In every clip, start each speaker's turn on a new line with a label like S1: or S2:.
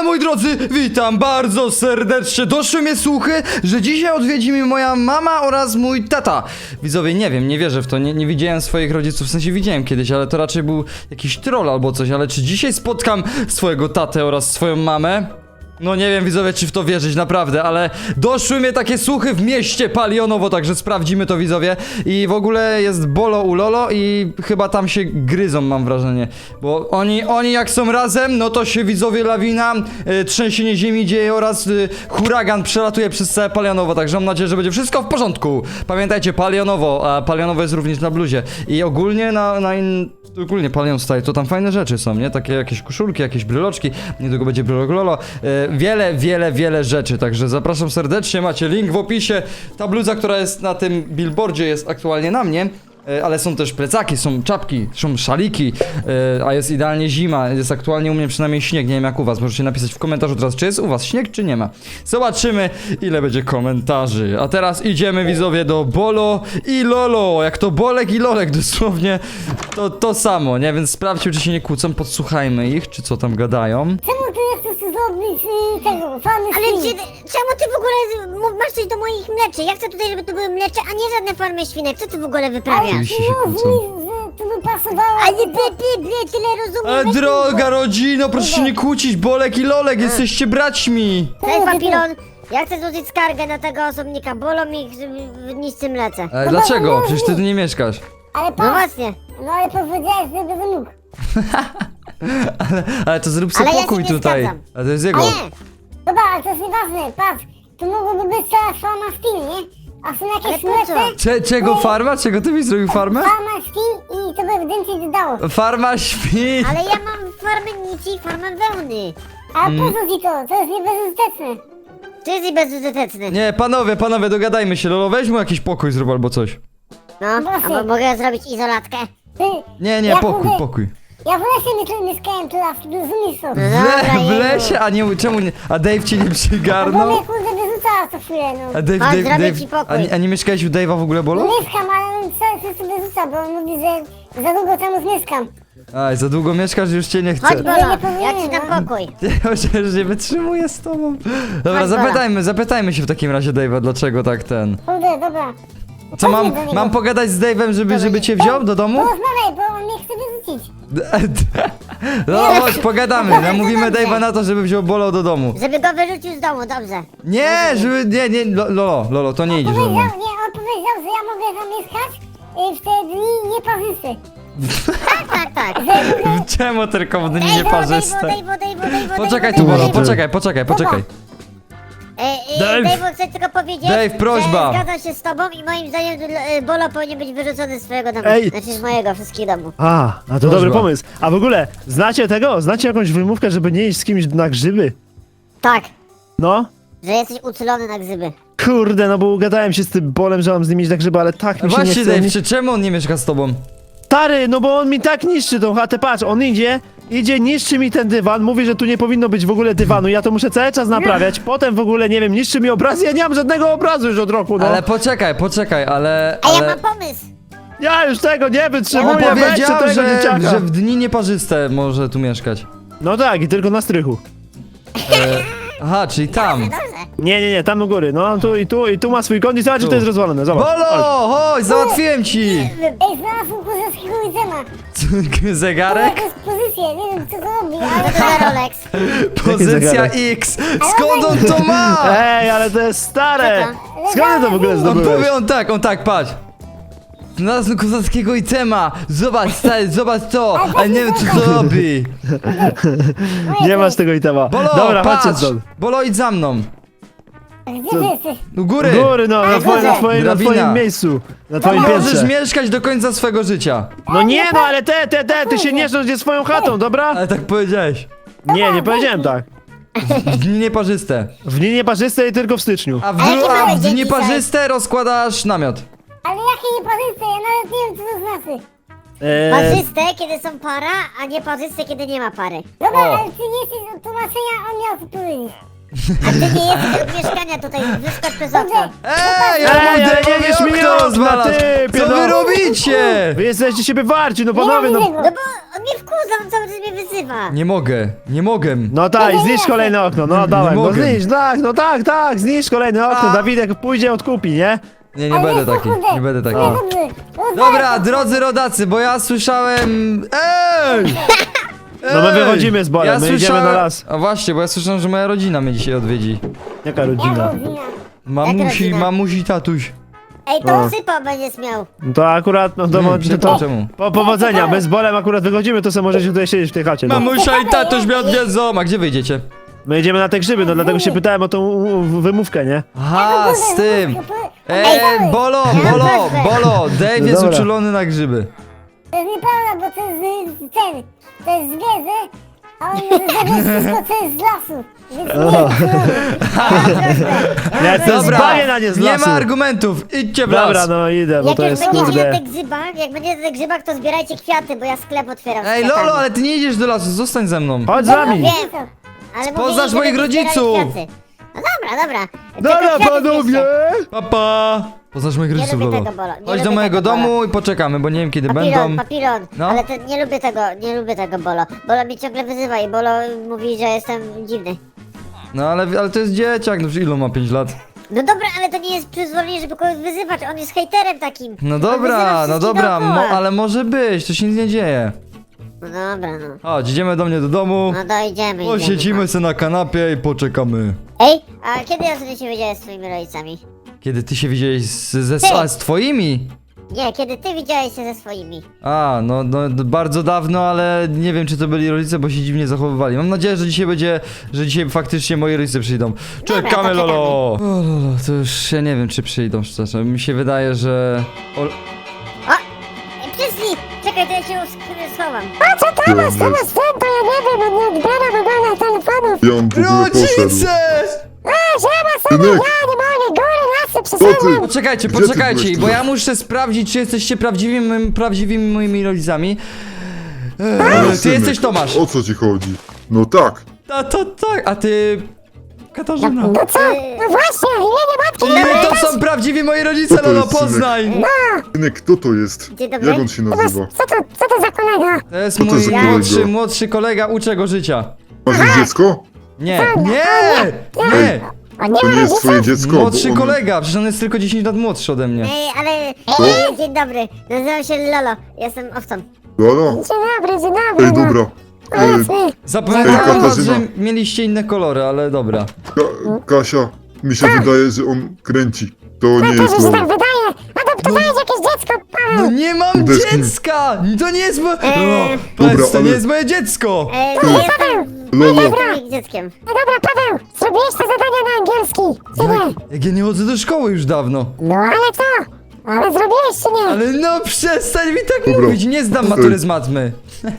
S1: moi drodzy, witam bardzo serdecznie. Doszły mnie słuchy, że dzisiaj odwiedzi mnie moja mama oraz mój tata. Widzowie, nie wiem, nie wierzę w to, nie widziałem swoich rodziców, w sensie widziałem kiedyś, ale to raczej był jakiś troll albo coś, ale czy dzisiaj spotkam swojego tatę oraz swoją mamę? No nie wiem, widzowie, czy w to wierzyć, naprawdę, ale doszły mnie takie słuchy w mieście Palionowo, także sprawdzimy to, widzowie. I w ogóle jest Bolo u Lolo i chyba tam się gryzą, mam wrażenie. Bo oni jak są razem, no to się, widzowie, lawina, trzęsienie ziemi dzieje oraz huragan przelatuje przez całe Palionowo, także mam nadzieję, że będzie wszystko w porządku. Pamiętajcie, Palionowo, a Palionowo jest również na bluzie. I ogólnie ogólnie Palion Style, to tam fajne rzeczy są, nie? Takie jakieś koszulki, jakieś bryloczki, niedługo będzie brylok Lolo. Wiele rzeczy, także zapraszam serdecznie, macie link w opisie. Ta bluza, która jest na tym billboardzie, jest aktualnie na mnie. Ale są też plecaki, są czapki, są szaliki, a jest idealnie zima, jest aktualnie u mnie przynajmniej śnieg, nie wiem jak u was, możecie napisać w komentarzu teraz, czy jest u was śnieg, czy nie ma. Zobaczymy, ile będzie komentarzy. A teraz idziemy, widzowie, do Bolo i Lolo, jak to Bolek i Lolek, dosłownie to samo, nie? Więc sprawdźmy, czy się nie kłócą, podsłuchajmy ich, czy co tam gadają.
S2: Czemu ty nie chcesz zrobić tego, fany
S3: Ale
S2: świn?
S3: czemu ty w ogóle masz coś do moich mleczy? Ja chcę tutaj, żeby to były mlecze, a nie żadne farmy świnek. Co ty w ogóle wyprawiasz?
S1: Oczywiście się
S2: Mów
S1: kłócą.
S2: mi, że to by pasowało.
S3: Ale tyle rozumiem.
S1: Ale droga rodzino, proszę się nie kłócić, Bolek i Lolek, jesteście braćmi.
S3: Cześć, papilon. Ja chcę złożyć skargę na tego osobnika. Bolą mi w niczym mlece.
S1: Ale dlaczego? Przecież ty tu nie mieszkasz.
S2: Ale
S3: No
S2: patrz,
S3: właśnie.
S2: no ale powiedziałeś, że będę mógł.
S1: Ale to zrób sobie
S3: Ale ja się
S1: pokój
S3: nie
S1: tutaj.
S3: zgadzam.
S1: A to jest jego.
S3: Nie.
S2: Dobra, ale to jest nieważne, patrz. Tu mogłoby być cała farma świn, nie? A są
S3: Ale
S2: jakieś
S3: po co?
S2: mlece,
S1: Czego farma? Czego ty byś zrobił farmę?
S2: farma świn i to by więcej dodało.
S1: Farma świn!
S3: Ale ja mam farmę nici i farmę wełny.
S2: A po co ci to? To jest niebezużyteczne.
S3: To jest bezużyteczne.
S1: Nie, panowie, dogadajmy się. Lolo, weź mu jakiś pokój zrób albo coś.
S3: No,
S2: Właśnie.
S3: a mogę zrobić izolatkę?
S2: Ty,
S1: Nie,
S2: ja
S1: pokój,
S2: kurde-
S1: pokój.
S2: Ja w lesie mieszkałem teraz, rozumiesz to?
S3: No dobra,
S1: W
S3: Jezu.
S1: lesie? A nie, czemu nie? A Dave cię nie
S2: Bo
S1: przygarnął?
S2: mnie kurde wyrzucała co chwilę, no.
S1: A Dave,
S3: Chodź,
S1: Dave,
S3: zrobię
S1: Dave.
S3: ci pokój.
S1: A nie mieszkałeś u Dave'a w ogóle, Bolo?
S2: Mieszkam, ale on cały czas sobie rzuca, bo on mówi, że za długo tam już mieszkam.
S1: Aj, za długo mieszkasz, już cię nie
S3: Chodź,
S1: chcę.
S3: Bolo,
S2: nie
S3: ja
S2: powinienem,
S3: ci dam
S2: no.
S3: pokój.
S1: Ja już nie wytrzymuję z tobą. Dobra,
S3: Chodź, Bola.
S1: zapytajmy się w takim razie Dave'a, dlaczego tak ten.
S2: Kurde, dobra.
S1: Co
S2: Chodźmy do niego.
S1: mam pogadać z Dave'em, żeby cię wziął do domu?
S2: Porozmawiaj, bo on mnie chce wyrzucić.
S1: No chodź, pogadamy.
S3: Dobrze,
S1: Namówimy
S3: dobrze.
S1: Dave'a na to, żeby wziął Bolo do domu.
S3: Żeby go wyrzucił z domu, dobrze.
S1: Nie, nie, Lolo, to nie idziesz do domu.
S2: On powiedział, że ja mogę zamieszkać w te dni nieparzyste.
S3: Tak.
S1: Czemu tylko w dni
S3: Dave,
S1: nieparzyste?
S3: Dave.
S1: Poczekaj tu, Bolo, poczekaj.
S3: Dave, chcę tylko powiedzieć,
S1: Dave, prośba.
S3: że zgadzam się z tobą i moim zdaniem Bolo powinien być wyrzucony z swojego domu.
S4: Ej.
S3: Znaczy z mojego, wszystkich domów.
S4: A to
S1: Prośba.
S4: dobry pomysł. A w ogóle, znacie tego? Znacie jakąś wymówkę, żeby nie iść z kimś na grzyby?
S3: Tak,
S4: No?
S3: że jesteś uczulony na grzyby.
S4: Kurde, no bo ugadałem się z tym Bolem, że mam z nim iść na grzyby, ale tak mi się nie
S1: Właśnie,
S4: chce.
S1: Dave, czemu on nie mieszka z tobą?
S4: Stary, no bo on mi tak niszczy tą chatę, patrz, on idzie, niszczy mi ten dywan, mówi, że tu nie powinno być w ogóle dywanu, ja to muszę cały czas naprawiać, potem w ogóle, nie wiem, niszczy mi obraz, ja nie mam żadnego obrazu już od roku, no.
S1: Ale poczekaj, ale...
S3: A ja mam pomysł!
S4: Ja już tego nie
S1: On
S4: wytrzymuję, weźcie
S1: powiedział,
S4: tego dzieciaka.
S1: że w dni nieparzyste może tu mieszkać.
S4: No tak, i tylko na strychu.
S1: Aha, czyli tam.
S3: Dobrze.
S4: Nie, tam u góry, no i tu ma swój kąt i zobacz, że
S1: Tu.
S4: to jest rozwalone, zobacz.
S1: Bolo, chodź, załatwiłem ci!
S2: Ej, znalazłem kurzaskiego widzema.
S1: Zegarek?
S2: To jest pozycja, nie wiem co to robi,
S3: Co
S2: ale...
S3: to za Rolex?
S1: Pozycja
S4: zegarek?
S1: X! Skąd on to ma?
S4: Ej, ale to jest stare!
S3: Co
S4: Skąd ty to w ogóle
S1: On
S4: zdobyłeś?
S1: powie, on tak, patrz. Znalazłem kozackiego itema! Zobacz, stary, zobacz to! Ale nie wiem co to robi!
S4: Nie masz tego itema.
S1: Bolo,
S4: Dobra, chodźcie
S1: patrz!
S4: stąd.
S1: Bolo, idź za mną!
S2: Gdzie ty jesteś?
S1: U góry!
S4: Góry, no, na twoim
S1: Drabina.
S4: miejscu. Na twoim
S1: Możesz
S4: piętrze.
S1: mieszkać do końca swego życia.
S4: No nie, no ale ty się nie rządź swoją chatą, dobra?
S1: Ale tak powiedziałeś.
S4: Nie powiedziałem tak.
S1: W dni nieparzyste.
S4: W dni nieparzyste i tylko w styczniu.
S1: A w,
S3: A jaki
S1: a
S3: mamy
S1: w
S3: dzień
S1: dni
S3: dzisiaj?
S1: nieparzyste rozkładasz namiot.
S2: Ale jakie nieparzyste, ja nawet nie wiem co to znaczy.
S3: Parzyste, kiedy są para, a nie parzyste, kiedy nie ma pary.
S2: Dobra,
S1: O.
S2: ale ty nie jesteś od tłumaczenia, on miał to powiedzieć.
S3: A ty nie jesteś od mieszkania tutaj, wyskocz przez okno.
S1: Ej,
S4: ale
S1: ja
S4: nie wiesz mi okna, ty,
S1: Co wy
S4: pierdol-
S1: robicie?
S4: Wy jesteście siebie warci, no panowie,
S2: Nie
S4: no.
S2: ma tego.
S3: No bo on mnie wkurza, on cały czas mnie wyzywa.
S1: Nie mogę, nie mogę.
S4: No tak, zniszcz kolejne okno, no dałem, no
S1: mogę.
S4: zniszcz, tak, no tak, zniszcz kolejne okno,
S1: A.
S4: Dawidek pójdzie, odkupi, nie?
S1: Nie, nie będę taki, nie będę taki.
S2: Dobrze.
S1: Dobra, drodzy rodacy, bo ja słyszałem... Ej!
S4: No my
S1: Ej!
S4: wychodzimy z Bolem, my idziemy na las.
S1: A właśnie, bo ja słyszałem, że moja rodzina mnie dzisiaj odwiedzi.
S4: Jaka
S2: Ja
S4: rodzina?
S2: rodzina.
S1: Mamusi,
S3: rodzina?
S1: mamusi, tatuś.
S3: Ej,
S4: No.
S3: to sypa będziesz miał.
S4: No to akurat, no to,
S1: Czemu?
S4: powodzenia, my z Bolem akurat wychodzimy, to sobie możecie tutaj siedzieć w tej chacie. No.
S1: Mamusia i tatuś mnie odwiedzą. A gdzie wyjdziecie?
S4: My idziemy na te grzyby, no dlatego się pytałem o tą wymówkę, nie?
S1: Aha, z tym. Bolo, Dave
S4: No
S1: jest
S4: dobra.
S1: uczulony na grzyby.
S2: To jest nieprawda, bo to jest ten, to jest zwierzę, a on zabiera wszystko, co jest z lasu. Więc nie,
S4: Ja jestem
S1: Dobra,
S4: zbawię na nie z
S1: nie
S4: lasu.
S1: ma argumentów, idźcie w las.
S4: Dobra, no idę, bo
S3: Jak
S4: to
S3: już
S4: jest
S3: będziecie na
S4: kurde.
S3: tych grzybach, to zbierajcie kwiaty, bo ja sklep otwieram z
S1: Ej,
S3: kwiatami.
S1: Lolo, ale ty nie idziesz do lasu, zostań ze mną.
S4: Chodź z
S3: Dobra,
S4: nami.
S3: wiem, ale
S1: Poznasz
S3: mówili,
S1: moich
S3: żeby zbierali
S1: rodziców.
S3: kwiaty. No dobra.
S4: Dobra,
S3: Tylko kwiaty
S4: panowie!
S3: zbierzcie.
S1: Papa. Poznasz moich rodziców,
S3: lubię
S1: Lolo.
S3: tego, Bolo, nie
S1: Chodź do
S3: lubię
S1: mojego
S3: tego,
S1: domu i poczekamy, bo nie wiem kiedy będą.
S3: Papilon,
S1: No.
S3: ale to nie lubię tego Bolo. Bolo mnie ciągle wyzywa i Bolo mówi, że jestem dziwny.
S1: No ale to jest dzieciak, no ilu ma 5 lat?
S3: No dobra, ale to nie jest przyzwolenie, żeby kogoś wyzywać, on jest hejterem takim.
S1: No
S3: On
S1: dobra,
S3: wyzywa
S1: no
S3: wszystkich
S1: dobra,
S3: dookoła.
S1: ale może być, to się nic nie dzieje.
S3: No dobra, no.
S1: Chodź, idziemy do mnie do domu,
S3: No dojdziemy.
S1: posiedzimy sobie na kanapie i poczekamy.
S3: Ej, a kiedy ostatnio się widziałeś z twoimi rodzicami?
S1: Kiedy ty się widziałeś z twoimi?
S3: Nie, kiedy ty widziałeś się ze swoimi.
S1: A, no bardzo dawno, ale nie wiem czy to byli rodzice, bo się dziwnie zachowywali. Mam nadzieję, że dzisiaj faktycznie moi rodzice przyjdą. Czekamy,
S3: to
S1: Lolo!
S3: czekamy.
S1: O, Lolo, to już ja nie wiem czy przyjdą szczerze. Mi się wydaje, że...
S3: Ej, przyszli! Czekaj, to ja się schowam.
S2: a co to masz, to ja nie wiem, on nie odbiera w ogóle telefonów.
S5: Ja on w ogóle poszedł.
S1: Rodzice!
S2: A, siema sobie,
S5: Synek!
S2: ja nie mogę, góry, lasy,
S5: Co
S2: przyszedłem.
S5: ty?
S1: Poczekajcie,
S5: Gdzie ty
S1: poczekajcie,
S5: byłeś
S1: bo
S5: tu?
S1: ja muszę sprawdzić, czy jesteście prawdziwymi moimi rodzicami.
S5: Ale
S1: Ty
S5: synek,
S1: jesteś Tomasz.
S5: O co ci chodzi? No tak.
S1: Tak, a ty... Katarzyna.
S2: No co? No właśnie, imienie matki
S1: I to są prawdziwi moi rodzice,
S5: Co to
S1: Lolo,
S5: jest, synek?
S1: poznaj!
S5: Synek, kto to jest?
S3: Dzień dobry.
S5: Jak on się nazywa?
S2: Co to za kolega?
S1: To jest
S5: Co to
S1: mój
S5: za kolega?
S1: młodszy kolega, uczę go życia.
S5: Masz już dziecko?
S1: Nie.
S2: On nie
S5: To
S2: ma
S5: nie jest twoje
S2: rodziców?
S5: dziecko.
S1: Młodszy
S5: bo on-
S1: kolega, przecież on jest tylko 10 lat młodszy ode mnie.
S3: Ej, ale... Dzień dobry, nazywam się Lolo, jestem owcą.
S5: Lolo?
S2: Dzień dobry,
S5: Ej, dobra.
S2: Powiedzmy.
S1: Zapamiętałem
S5: Ej,
S1: was,
S5: Katarzyna.
S1: że mieliście inne kolory, ale dobra.
S5: Kasia, mi się wydaje, że on kręci. To nie
S2: Też
S5: jest
S2: mi się tak
S5: Lolo.
S2: wydaje. Adoptowałeś jakieś dziecko,
S1: No
S2: Paweł.
S1: nie mam
S5: Kurde,
S1: dziecka! To nie jest moje...
S5: Dobra,
S1: to nie
S5: ale-
S1: jest moje dziecko!
S3: Nie jestem...
S5: Lolo,
S3: Jestem ich dzieckiem.
S2: No dobra, Paweł, zrobiłeś te zadania na angielski, czy nie?
S1: Jak ja nie chodzę do szkoły już dawno.
S2: No ale co? Ale zrobiłeś, czy nie?
S1: Ale no przestań mi tak
S5: Dobra.
S1: mówić, nie zdam matury z matmy.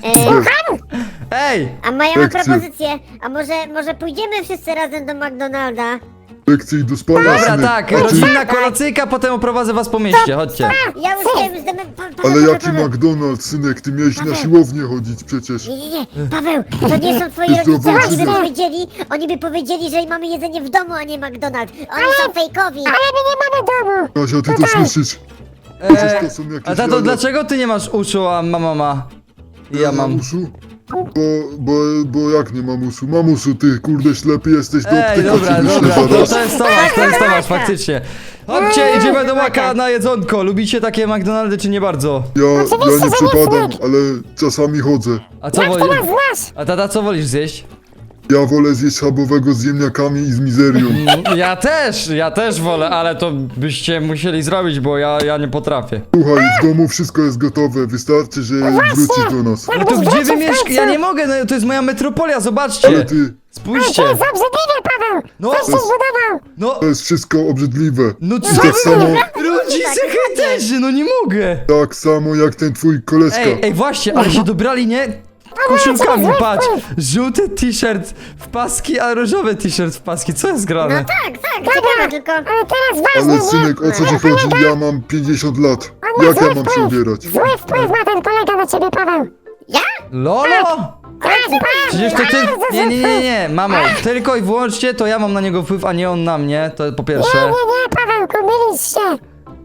S1: Ej!
S3: A moja ma
S5: Lekcje.
S3: propozycję, a może pójdziemy wszyscy razem do McDonalda?
S5: lekcje do spania,
S1: Dobra,
S5: synek.
S1: tak,
S5: A ty-
S1: rodzinna kolacyjka, potem oprowadzę was po mieście, chodźcie.
S3: Ja już wiem, już damy...
S5: Ale jaki McDonald's, synek? Ty miałeś na siłownię chodzić przecież.
S3: Nie, Paweł, to nie są twoi
S5: Jest
S3: rodzice,
S5: zdrowy
S3: oni by powiedzieli, że mamy jedzenie w domu, a nie McDonald's. Oni są fejkowi.
S2: Ale my nie mamy domu.
S5: Kasia, ty to słyszysz? Przecież to są jakieś
S1: A tato,
S5: jaja.
S1: dlaczego ty nie masz uszu, a mama ma? I ja mam.
S5: Uszu? Bo jak nie mam uszu? Mam uszu, ty kurde ślepy jesteś, do
S1: Ej,
S5: apteka
S1: dobra,
S5: cię wyślę
S1: dobra, to
S5: zaraz.
S1: jest Tomasz, faktycznie. Chodźcie, idziemy do Maka na jedzonko. Lubicie takie McDonaldy, czy nie bardzo?
S5: Ja
S2: Oczywiście,
S5: nie
S2: że nie,
S5: przepadam,
S2: synek.
S5: ale czasami chodzę.
S1: A co
S2: Jak ty
S1: wolisz?
S2: nas znasz?
S1: A tata, co wolisz zjeść?
S5: Ja wolę zjeść schabowego z ziemniakami i z mizerią.
S1: Ja też wolę, ale to byście musieli zrobić, bo ja nie potrafię.
S5: Słuchaj, w domu wszystko jest gotowe, wystarczy, że wrócisz do nas.
S1: No to gdzie wy mieszkacie? Ja nie mogę, no to jest moja metropolia, zobaczcie.
S5: Ale ty,
S1: Spójrzcie.
S2: To jest obrzydliwe, Paweł.
S1: No,
S2: Coś się zbudował.
S1: no,
S5: to jest wszystko obrzydliwe.
S1: no
S5: I
S1: co
S5: tak
S1: wy?
S5: samo,
S1: Rodzice hejterzy, no nie mogę.
S5: tak samo jak ten twój koleżka.
S1: Ej, właśnie, ale się dobrali, nie? Koszulkami, patrz. Żółty t-shirt w paski, a różowy t-shirt w paski. Co jest
S3: No
S1: grane?
S3: tak, ciekawe tylko...
S2: Ale teraz ważne,
S5: Ale
S2: nie?
S5: synek, o co ci chodzi? Ja mam 50 lat.
S2: On ma
S5: Jak ja
S2: zły
S5: mam się
S2: wpływ.
S5: ubierać?
S2: Zły wpływ ma ten kolega na ciebie, Paweł.
S1: Lolo?
S2: Tak,
S1: Przecież to ty...
S2: bardzo zły wpływ.
S1: Nie, mamo. Tylko i wyłącznie to ja mam na niego wpływ, a nie on na mnie. To po
S2: Nie,
S1: pierwsze.
S2: Pawełku, mylisz się.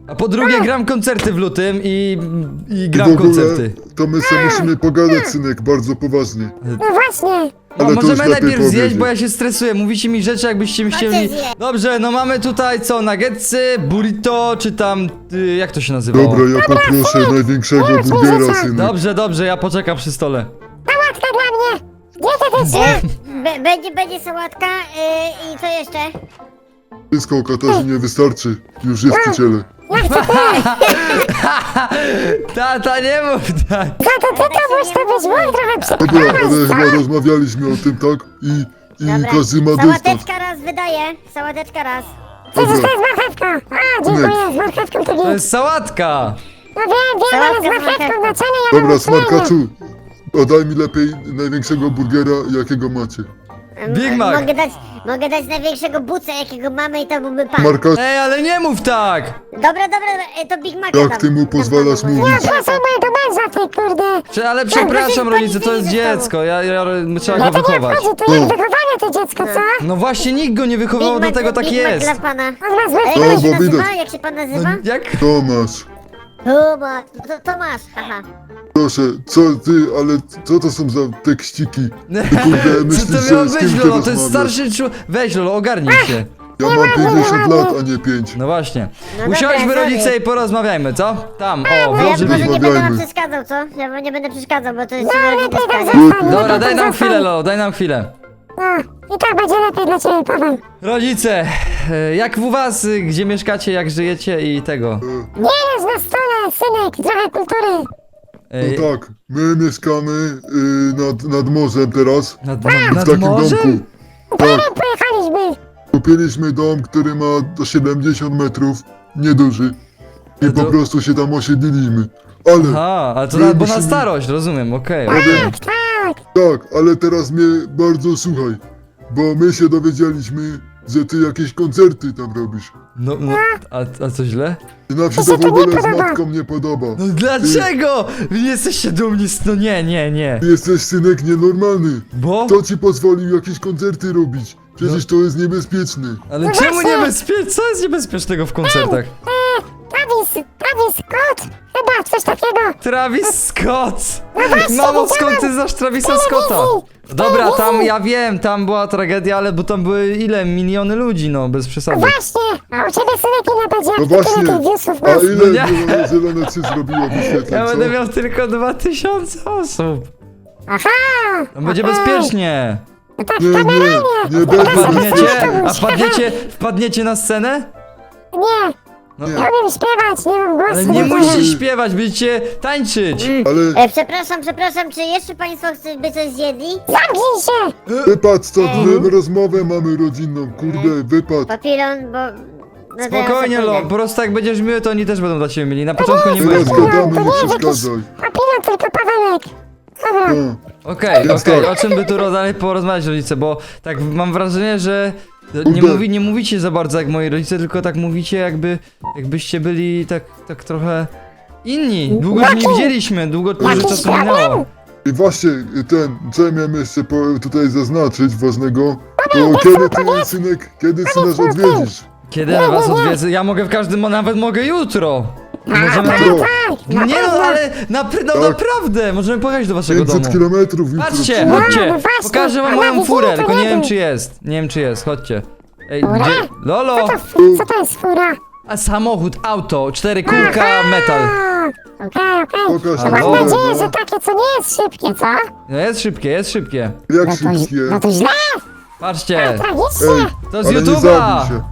S1: A po drugie gram koncerty w lutym i
S5: I w
S1: gram
S5: ogóle
S1: koncerty.
S5: to my sobie musimy pogadać, synek, bardzo poważnie.
S2: No właśnie.
S1: No,
S5: Ale to już
S1: możemy
S5: lepiej
S1: najpierw zjeść,
S5: powiedzieć.
S1: bo ja się stresuję. Mówicie mi rzeczy, jakbyście mi chcieli...
S3: zje.
S1: Dobrze, no mamy tutaj co? Nuggetsy, burrito, czy tam... jak to się nazywało?
S5: Dobra, ja poproszę największego burgera, synek.
S1: Dobrze, dobrze, ja poczekam przy stole.
S2: Sałatka dla mnie. Dietetyczna.
S3: Będzie sałatka i co jeszcze?
S5: Wszystko Katarzynie wystarczy. Już jest przy ciele.
S1: Tata, nie mów tak.
S2: Za to ty to musisz to być mój trochę
S5: Dobra, ale
S2: przyprawa.
S5: chyba rozmawialiśmy o tym, tak? I
S3: Dobra.
S5: każdy ma dostać.
S3: Sałateczka raz wydaje, sałateczka raz.
S2: Przecież to
S5: Dobra.
S2: jest marchewka. A, dziękuję, z marchewką to
S1: To
S2: nic.
S1: jest sałatka.
S2: No wiem, ale z
S3: Sałatka z
S2: marchewką na czele ja
S5: Dobra,
S2: mam uczulenie.
S5: smarkaczu, daj mi lepiej największego burgera, jakiego macie.
S1: Big Mac.
S3: Mogę dać największego buca, jakiego mamy i to byłby pan.
S5: Markaczu,
S1: Ej, ale nie mów tak.
S3: Dobra, to Big Mac.
S5: jak ty mu pozwalasz mówić?
S2: Ja proszę mojego męża, ty kurde.
S1: Ale przepraszam, rodzice, to jest dziecko. Trzeba
S2: No
S1: go
S2: to nie
S1: wychować.
S2: wchodzi, tu jest wychowanie to dziecko, co?
S1: No właśnie, nikt go nie wychował, dlatego tak
S3: Big Mac
S1: jest.
S3: dla pana.
S2: On ma złe
S3: A
S5: No,
S3: jak się
S5: bo
S3: nazywa?
S5: widać.
S3: Jak się pan nazywa?
S1: Jak?
S5: Tomasz,
S3: Tomasz. To masz, haha.
S5: proszę, ale co to są za tekściki? Ty kurde,
S1: Co
S5: myślisz,
S1: to miało
S5: że z kim
S1: być,
S5: ty
S1: Lolo? To jest
S5: rozmawiasz?
S1: starszy człowiek. Weź, Lolo, ogarnij się.
S5: Ja mam 50 lat, a nie 5.
S1: No właśnie.
S3: No
S1: Usiądźmy,
S3: dobra,
S1: rodzice,
S3: sorry.
S1: i porozmawiajmy, co? Tam, o,
S3: A ja
S1: włoży
S3: może
S1: mi.
S3: nie będę
S5: Rozmawiajmy.
S3: wam przeszkadzał, co? Ja wam nie będę przeszkadzał, bo to jest
S2: No,
S3: rodzina
S2: lepiej tam
S3: skania.
S2: zostań.
S1: Dobra,
S2: lepiej
S1: daj
S2: tam
S1: nam
S2: zostań.
S1: chwilę, Lolo, daj nam chwilę.
S2: No, i tak będzie lepiej dla ciebie, Paweł.
S1: Rodzice, jak u was, gdzie mieszkacie, jak żyjecie i tego?
S2: Nie jest na stole, synek, trochę kultury.
S1: Ej,
S5: No tak, my mieszkamy nad morzem teraz,
S1: nad
S5: w takim
S1: morzem?
S5: domku.
S2: Teraz pojechaliśmy.
S5: Kupiliśmy dom, który ma do 70 metrów, nieduży. I
S1: To-
S5: po prostu się tam osiedliliśmy. Ale,
S1: Aha, ale to
S5: My
S1: bo na
S5: musimy-
S1: starość, rozumiem, okej.
S2: Tak, tak.
S5: tak, ale teraz mnie bardzo słuchaj, bo my się dowiedzieliśmy, że ty jakieś koncerty tam robisz.
S1: No, a co źle?
S5: I nam się
S2: To
S5: to
S2: się
S5: w
S2: to nie
S5: ogóle z
S2: podoba.
S5: matką nie podoba.
S1: No dlaczego? Wy nie jesteście dumni no nie.
S5: Ty jesteś synek nienormalny.
S1: Bo?
S5: Kto ci pozwolił jakieś koncerty robić? Przecież to jest niebezpieczne.
S1: Ale
S2: No
S1: czemu
S2: właśnie.
S1: niebezpieczne? Co jest niebezpiecznego w koncertach?
S2: Travis Scott, chyba coś takiego.
S1: Travis Scott!
S2: właśnie,
S1: Mamo, skąd
S2: widziałam
S1: ty znasz Travisa
S2: w
S1: Scotta?
S2: telewizji, w
S1: Dobra, tam
S2: telewizji.
S1: ja wiem, tam była tragedia, ale bo tam były ile? Miliony ludzi, no, bez przesady.
S2: Właśnie, a u ciebie synek ile będzie,
S5: No
S2: jak ty
S5: właśnie,
S2: tyle tych viewsów
S5: a
S2: masz?
S5: ile
S1: No nie.
S5: zielone cy zrobiło wyświetleń,
S1: Ja
S5: co?
S1: będę miał tylko 2000 osób.
S2: Aha,
S1: Tam będzie
S2: okej.
S1: bezpiecznie.
S2: No tak,
S5: Nie, nie,
S2: kameralnie.
S5: nie będzie
S1: Wpadniecie? A
S5: bezpiecznie.
S1: wpadniecie na scenę?
S2: Nie,
S1: No,
S2: nie umiem śpiewać, nie mam głosu.
S1: ale nie
S2: do
S1: musicie
S2: tego.
S1: śpiewać, będziecie tańczyć.
S5: Ale
S3: Przepraszam, czy jeszcze państwo by coś zjedli?
S2: Zamknij się.
S5: wypad stąd, my rozmowę mamy rodzinną, kurde, wypad.
S3: Papilon, bo... No to ja
S1: Spokojnie,
S3: sobie
S1: Lo,
S3: pójdę.
S1: po prostu jak będziesz miły, to oni też będą dla ciebie mieli. Na początku nie
S5: Teraz
S1: będzie.
S5: gadamy,
S2: to
S5: nie
S2: nie jest
S5: przeszkadzaj.
S2: Papilon, tylko Pawełek. Dobra,
S5: No.
S1: Okej,
S5: Jest
S1: okej,
S5: tak.
S1: o czym by tu dalej porozmawiać, rodzice, bo tak mam wrażenie, że
S5: Kurde.
S1: nie mówicie za bardzo jak moi rodzice, tylko tak mówicie jakbyście byli tak trochę inni. Długo się nie widzieliśmy, dużo czasu minęło.
S5: I właśnie, co ja miałem jeszcze tutaj zaznaczyć ważnego, to kiedy synasz odwiedzisz?
S1: Kiedy ja was odwiedzę? Ja mogę w każdym, nawet mogę jutro. Możemy...
S5: Jutro.
S2: tak, na
S1: Nie no,
S2: pewno.
S1: ale naprawdę, możemy pojechać do waszego
S5: 500
S1: domu.
S5: kilometrów jutro.
S1: Patrzcie,
S2: No,
S1: chodźcie,
S2: no właśnie,
S1: pokażę wam
S2: a
S1: moją
S2: nawet
S1: furę,
S2: nie, to
S1: tylko nie
S2: nie
S1: wiem
S2: wiem.
S1: czy jest. Nie wiem czy jest, chodźcie. Ej,
S2: Fura?
S1: gdzie? Lolo!
S2: Co to jest fura?
S1: A samochód, auto, 4 kółka, metal.
S2: Okej.
S5: Pokaż
S2: Mam
S5: mi furę,
S2: nadzieję,
S5: no.
S2: że takie co nie jest szybkie, co?
S1: No jest szybkie.
S5: Jak
S2: No
S5: szybkie.
S2: to źle,
S1: Patrzcie,
S2: tragicznie.
S1: to z
S5: ale nie
S1: YouTube'a.
S5: zabij się.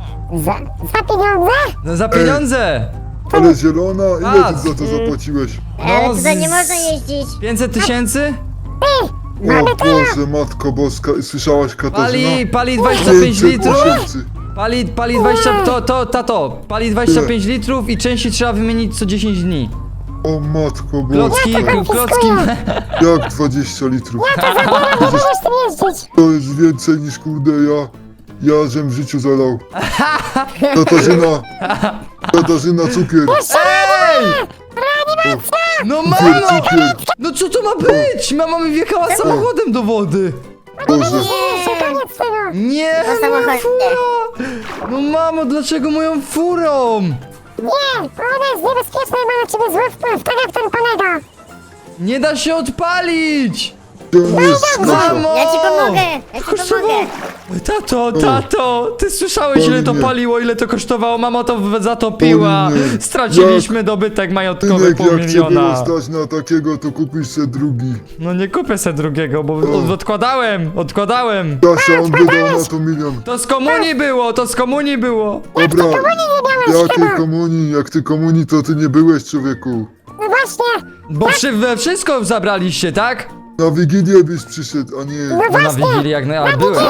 S2: Za pieniądze?
S1: No za pieniądze.
S5: Ale zielona, ile
S1: Patrz.
S5: ty za to zapłaciłeś?
S3: Ale tutaj nie
S1: z-
S3: można jeździć.
S1: 500 tysięcy?
S5: O Boże, Matko Boska, słyszałaś Katarzyna?
S1: Pali 25
S5: 500
S1: litrów.
S5: tysięcy.
S1: Pali 20, tato, pali 25 litrów i części trzeba wymienić co 10 dni.
S5: O Matko Boska,
S1: Klocki,
S5: jak 20 litrów?
S2: Nie możesz tym jeździć.
S5: To jest więcej niż kurde ja żem w życiu zalał. Katarzyna cukier.
S1: Ej! No mamo!
S5: Cukier.
S1: No co to ma być? Mama mi wjechała samochodem do wody.
S5: Boże.
S2: Nie, koniec tego.
S1: Nie,
S3: To
S1: moja
S3: samochód.
S1: fura! No mamo, dlaczego moją furą?
S2: Nie, bo ona jest niebezpieczna i ma na ciebie zły wpływ, tak jak ten kolega.
S1: Nie da się odpalić!
S5: Gdzie on jest, Kasia?
S1: Mamo!
S3: Ja ci pomogę, ja ci pomogę.
S1: Tato, ty słyszałeś ile to
S5: Oj, nie.
S1: paliło, ile to kosztowało? Mama to zatopiła.
S5: Oj, nie.
S1: Straciliśmy dobytek majątkowy
S5: Synek,
S1: pół
S5: jak cię było
S1: miliona.
S5: stać na takiego, to kupisz se drugi.
S1: No nie kupię se drugiego, bo odkładałem.
S5: Kasia, on wydał na to milion.
S1: To z komunii było,
S5: Dobra, jakiej komunii? Jak ty komunii, to ty nie byłeś, człowieku.
S2: No właśnie,
S1: Bo we wszystko zabraliście, tak?
S5: Na Wigilię byś przyszedł, a nie...
S1: No na Wigilii jak ale byłem,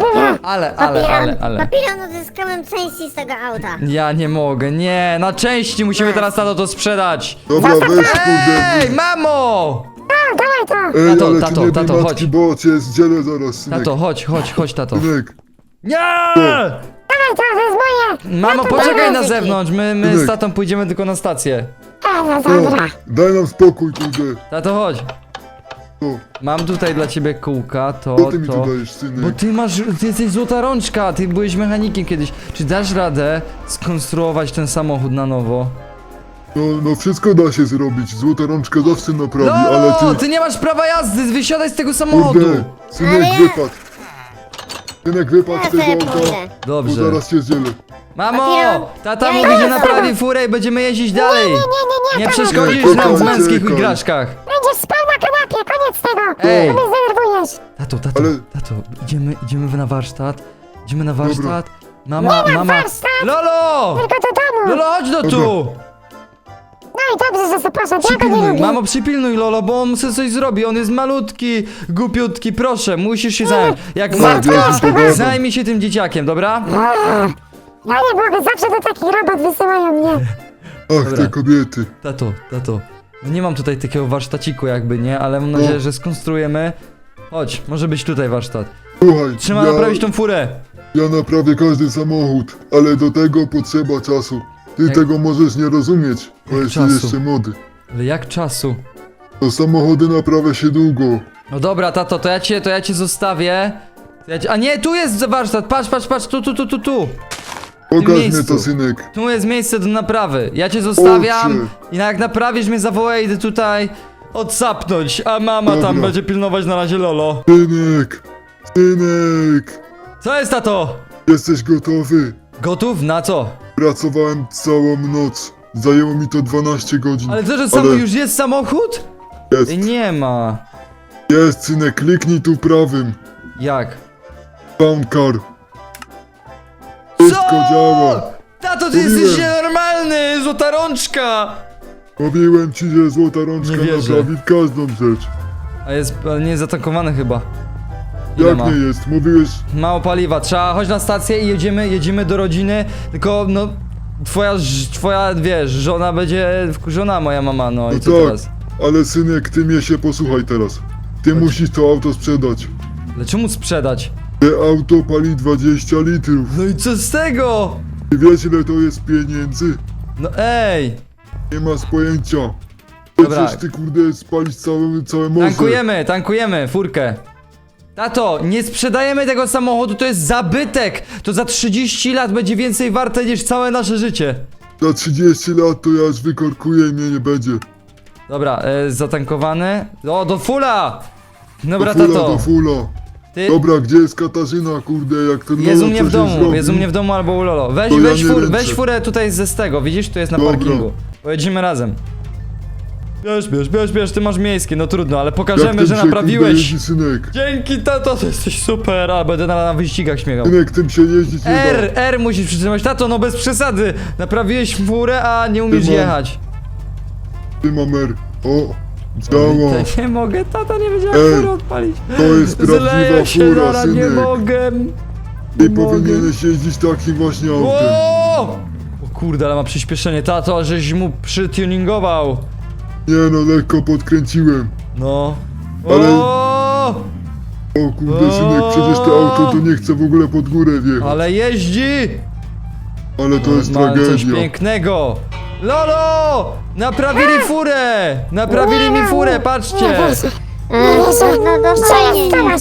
S1: ale.
S3: Papilon, odzyskałem części z tego auta.
S1: Ja nie mogę, nie, na części musimy teraz tato to sprzedać.
S5: Dobra, weź, kurde.
S1: Ej, mamo!
S2: dawaj to.
S5: Ej,
S1: Tato,
S5: ale
S1: tato,
S5: ty nie bij
S1: tato,
S5: matki,
S1: chodź.
S5: bo cię zdzielę zaraz, synek.
S1: Tato, chodź, tato.
S5: Synek,
S1: Nie!
S2: Dawaj to jest moje.
S1: Mamo, poczekaj na
S3: Synek.
S1: zewnątrz, my z
S5: Synek.
S1: tatą pójdziemy tylko na stację.
S2: No
S5: o,
S2: dobra.
S5: daj nam spokój, kurde.
S1: Tato, chodź.
S5: O,
S1: Mam tutaj dla ciebie kółka,
S5: co ty mi tu dajesz,
S1: Bo
S5: synek?
S1: ty jesteś złota rączka, ty byłeś mechanikiem kiedyś. Czy dasz radę skonstruować ten samochód na nowo?
S5: No wszystko da się zrobić, złota rączka zawsze naprawi, ale
S1: No,
S5: ty...
S1: ty nie masz prawa jazdy, wysiadaj z tego samochodu.
S5: Kurde, synek,
S3: Ale ja-
S5: wypadł. Synek, wypadł
S3: Ja
S5: z tego
S3: sobie
S5: auta,
S3: pójdę.
S5: bo
S1: Dobrze.
S5: zaraz cię zdzielę.
S1: Mamo,
S3: Papieron,
S1: tata
S3: ja
S1: mówi,
S3: idę
S1: że
S3: za
S1: naprawi furę i będziemy jeździć dalej. Nie przeszkodzisz
S5: Nie,
S1: nam w
S5: czekaj,
S1: męskich
S5: czekaj.
S1: igraszkach.
S2: Będziesz spał na kanapie, koniec tego.
S1: Ej.
S2: Bo mnie zdenerwujesz.
S5: Ale-
S1: Tato, idziemy na warsztat. Idziemy na warsztat. Mama, mama.
S2: warsztat.
S1: Lolo!
S2: Tylko do domu.
S1: Lolo, chodź do tu!
S2: No i dobrze, że sobie poszedł, ja go nie
S1: Przypilnuj,
S2: lubię.
S1: mamo, przypilnuj Lolo, bo on sobie coś zrobi. On jest malutki, głupiutki, proszę, musisz się zająć. Jak matka,
S5: ja ci pogadam.
S1: zajmij się tym dzieciakiem, dobra?
S2: Ja nie mogę, zawsze do takich robot wysyłają mnie.
S5: Ach,
S1: Dobra.
S5: te kobiety.
S1: Tato. No nie mam tutaj takiego warsztaciku jakby, nie? Ale mam nadzieję, że skonstruujemy. Chodź, może być tutaj warsztat.
S5: Słuchaj,
S1: Trzeba naprawić tą furę.
S5: ja naprawię każdy samochód, ale do tego potrzeba czasu. Ty
S1: Jak-
S5: tego możesz nie rozumieć, bo
S1: Jak
S5: jesteś
S1: czasu?
S5: jeszcze młody.
S1: Ale jak czasu?
S5: To samochody naprawia się długo.
S1: No dobra, tato, to ja cię zostawię. A nie, tu jest warsztat, patrz, tu.
S5: Pokaż mnie
S1: miejscu.
S5: to, synek.
S1: Tu jest miejsce do naprawy. Ja cię zostawiam
S5: Owszem.
S1: i jak naprawisz mnie zawołaj, idę tutaj odsapnąć, a mama tam
S5: Dobra.
S1: będzie pilnować na razie Lolo.
S5: Synek,
S1: Co jest, tato?
S5: jesteś gotowy?
S1: Gotów? Na co?
S5: Pracowałem całą noc. Zajęło mi to 12 godzin.
S1: Ale co, że
S5: Ale
S1: już jest samochód?
S5: jest,
S1: Nie ma.
S5: jest, synek, kliknij tu prawym.
S1: Jak?
S5: Found car. Wszystko działa.
S1: Tato, ty
S5: Mówiłem.
S1: jesteś nienormalny, złota rączka!
S5: Mówiłem ci, że złota rączka
S1: Nie wierzę.
S5: naprawi każdą rzecz.
S1: Ale nie jest zatankowany chyba. Ile
S5: Jak
S1: ma?
S5: nie jest? Mówiłeś...
S1: Mało paliwa, trzeba chodź na stację i jedziemy do rodziny, tylko no twoja wiesz, żona będzie wkurzona, moja mama, no i
S5: No
S1: co
S5: tak,
S1: teraz?
S5: ale synek, ty mnie się posłuchaj teraz. Ty musisz to auto sprzedać.
S1: Ale czemu sprzedać?
S5: Te auto pali 20 litrów.
S1: No i co z tego?
S5: Ty wiesz, ile to jest pieniędzy?
S1: No ej!
S5: Nie masz pojęcia.
S1: Dobra.
S5: Przecież ty, kurde, spalić całe morze.
S1: Tankujemy furkę. Tato, nie sprzedajemy tego samochodu, to jest zabytek! To za 30 lat będzie więcej warte niż całe nasze życie.
S5: Za 30 lat to ja już wykorkuję i mnie nie będzie.
S1: Dobra, zatankowany. O, do fula! Dobra,
S5: Do fula,
S1: tato.
S5: do fula.
S1: Ty...
S5: Dobra, gdzie jest Katarzyna, kurde, jak ten
S1: Jest u
S5: Lolo
S1: mnie w
S5: coś
S1: domu,
S5: zrobi?
S1: jest u mnie w domu albo u Lolo.
S5: To ja nie ręczę.
S1: Weź furę tutaj z tego, widzisz? Tu jest na
S5: Dobra.
S1: parkingu. Pojedziemy razem. Bierz, ty masz miejskie, no trudno, ale
S5: Jak
S1: pokażemy,
S5: tym
S1: że
S5: się, kurde,
S1: naprawiłeś.
S5: jeździ, synek?
S1: Dzięki, tato, to jesteś super, a będę na wyścigach śmiegał.
S5: Synek, tym się jeździć nie da.
S1: R musisz przytrzymać, tato, no bez przesady. Naprawiłeś furę, a nie umiesz
S5: Ty mam-
S1: jechać.
S5: Ty mamer. O, działa.
S1: To nie mogę, tata nie wiedziałem
S5: Ej,
S1: fury odpalić.
S5: To jest prawdziwa
S1: Zleję się,
S5: fura,
S1: nara, nie
S5: synek.
S1: mogę.
S5: Ty
S1: Nie mogę.
S5: powinieneś jeździć takim właśnie autem.
S1: O kurde, ale ma przyspieszenie, tato, żeś mu przytuningował.
S5: Nie no, lekko podkręciłem.
S1: No.
S5: Ale-
S1: O,
S5: O kurde, synek, przecież to auto to nie chce w ogóle pod górę wjechać.
S1: ale jeździ!
S5: Ale to jest
S1: Ma coś
S5: tragedia.
S1: pięknego. Lolo! Naprawili furę! Naprawili mi furę, patrzcie!
S3: No
S2: Co
S3: dostajnie,
S2: jest,
S3: nie.
S2: Tomasz?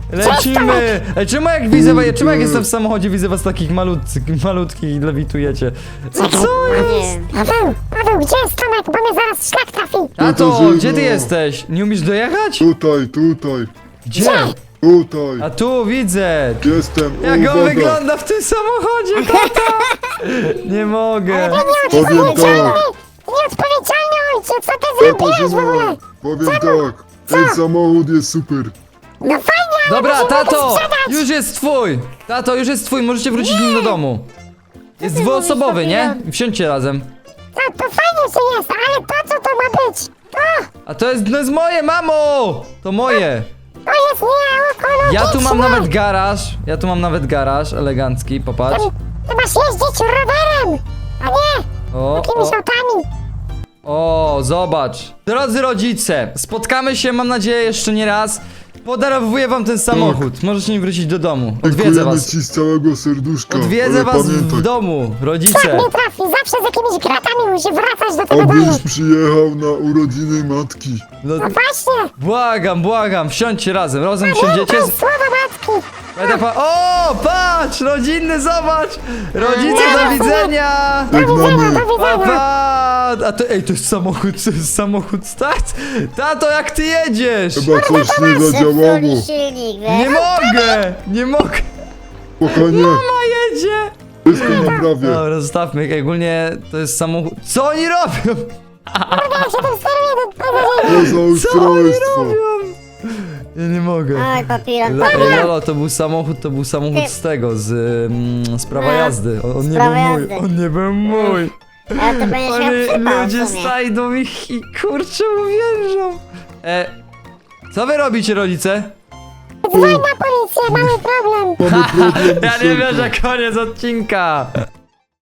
S1: Lecimy! Ej, czemu jak widzę, czemu jak jestem w samochodzie, widzę was takich malutkich i lewitujecie? Co jest?
S3: Nie.
S2: Paweł, gdzie jest Tomek, bo mnie zaraz szlak trafi.
S1: Tato,
S5: Katarzyno.
S1: gdzie ty jesteś? Nie umiesz dojechać?
S5: Tutaj.
S1: Gdzie?
S5: Tutaj.
S1: A tu widzę!
S5: Jestem.
S1: Jak on
S5: Uwaga.
S1: wygląda w tym samochodzie, tata! Nie mogę.
S5: Powiem tak.
S2: Nieodpowiedzialny ojciec, co ty zrobiłeś w ogóle?
S5: Katarzyna, powiem tak. Ten samochód jest super.
S2: No fajnie, ale
S1: Dobra,
S2: musimy go
S1: tato!
S2: sprzedać.
S1: Już jest twój! Tato, już jest twój, możecie wrócić nim do domu. Jest
S3: ty
S1: dwuosobowy,
S3: mówisz,
S1: nie?
S3: Papilon?
S1: Wsiądźcie razem.
S2: Tak, to fajnie, że jest, ale to co to ma być?
S1: A to jest moje, mamo! To moje!
S2: To jest nieekologiczne.
S1: Ja tu mam nawet garaż elegancki, popatrz.
S2: Ty masz jeździć rowerem, a nie
S1: O,
S2: jakimiś autami.
S1: o, zobacz. Drodzy rodzice, spotkamy się, mam nadzieję, jeszcze nie raz. Podarowuję wam ten samochód. Możecie nim wrócić do domu. Odwiedzę
S5: Dziękujemy
S1: was.
S5: ci z całego serduszka.
S1: Odwiedzę
S5: ale
S1: was w
S5: pamiętaj,
S1: domu,
S2: Tak
S1: rodzice.
S2: nie trafi, zawsze z jakimiś gratami musi wracać do tego domu.
S5: abyś przyjechał na urodziny matki.
S1: No,
S2: No właśnie,
S1: błagam, wsiądźcie razem wsiądziecie.
S2: pamiętaj słowa matki.
S1: Będę o, patrz, rodzinny, zobacz! Rodzice, do widzenia!
S5: Żegnamy.
S1: Pa! A to, ej, to jest samochód, start? Tato, jak ty jedziesz?
S5: Chyba coś nie zadziałało.
S3: Zepsuli silnik,
S1: Nie mogę!
S5: Spokojnie,
S1: Mama jedzie!
S5: wszystko naprawię.
S1: Dobra, zostawmy, ej, ogólnie to jest samochód. Co oni robią?
S2: Ja się tym steruję do tego.
S5: To za
S1: Co oni
S5: ustrojstwo.
S1: robią? Ja nie mogę.
S3: Oj, papilon,
S1: Lolo, to był samochód z tego, z prawa jazdy. On nie
S3: prawa
S1: był mój,
S3: jazdy.
S1: on nie był mój.
S3: ale to będziesz miał przypał
S1: Ludzie
S3: w sumie.
S1: znajdą ich i kurczę uwierzą. Co wy robicie, rodzice?
S2: Dzwoń na policję, mamy problem.
S5: Mamy problem,
S1: Ja nie
S5: Serko.
S1: wierzę, koniec odcinka.